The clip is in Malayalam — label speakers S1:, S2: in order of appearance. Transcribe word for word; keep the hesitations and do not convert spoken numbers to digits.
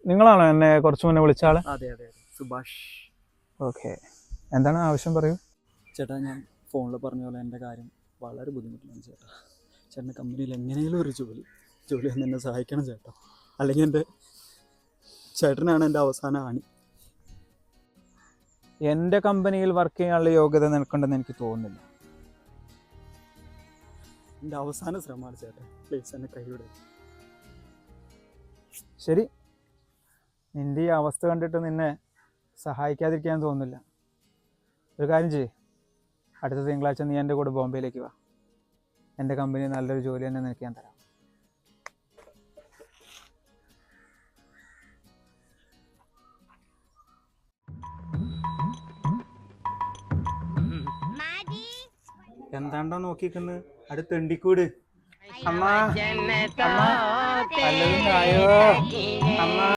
S1: നിങ്ങളാണോ എന്നെ കുറച്ച് മുന്നേ വിളിച്ച ആള്?
S2: അതെ അതെ അതെ സുഭാഷ്.
S1: ഓക്കെ, എന്താണ് ആവശ്യം പറയൂ.
S2: ചേട്ടാ ഞാൻ ഫോണിൽ പറഞ്ഞ പോലെ എൻ്റെ കാര്യം വളരെ ബുദ്ധിമുട്ടിലാണ് ചേട്ടാ. ചേട്ടൻ്റെ കമ്പനിയിൽ എങ്ങനെയും ഒരു ജോലി ജോലി ഒന്ന് എന്നെ സഹായിക്കണം ചേട്ടാ. അല്ലെങ്കിൽ എൻ്റെ ചേട്ടനാണ് എൻ്റെ അവസാന ആണി.
S1: എൻ്റെ കമ്പനിയിൽ വർക്ക് ചെയ്യാനുള്ള യോഗ്യത നിനക്കുണ്ടെന്ന് എനിക്ക് തോന്നുന്നില്ല.
S2: എൻ്റെ അവസാന ശ്രമമാണ് ചേട്ടാ, പ്ലീസ് എന്നെ കൈവിടുക.
S1: ശരി, നിൻ്റെ ഈ അവസ്ഥ കണ്ടിട്ട് നിന്നെ സഹായിക്കാതിരിക്കാൻ തോന്നുന്നില്ല. ഒരു കാര്യം ചെയ്യ്, അടുത്ത തിങ്കളാഴ്ച നീ എൻ്റെ കൂടെ ബോംബെയിലേക്ക് വാ. എൻ്റെ കമ്പനി നല്ലൊരു ജോലി തന്നെ നിനക്ക് ഞാൻ തരാം. എന്താണ്ടോ നോക്കിക്കുന്നത് അടുത്ത് തെണ്ടിക്കൂട്. അമ്മ അമ്മ പല്ലതും ആയോ അമ്മ?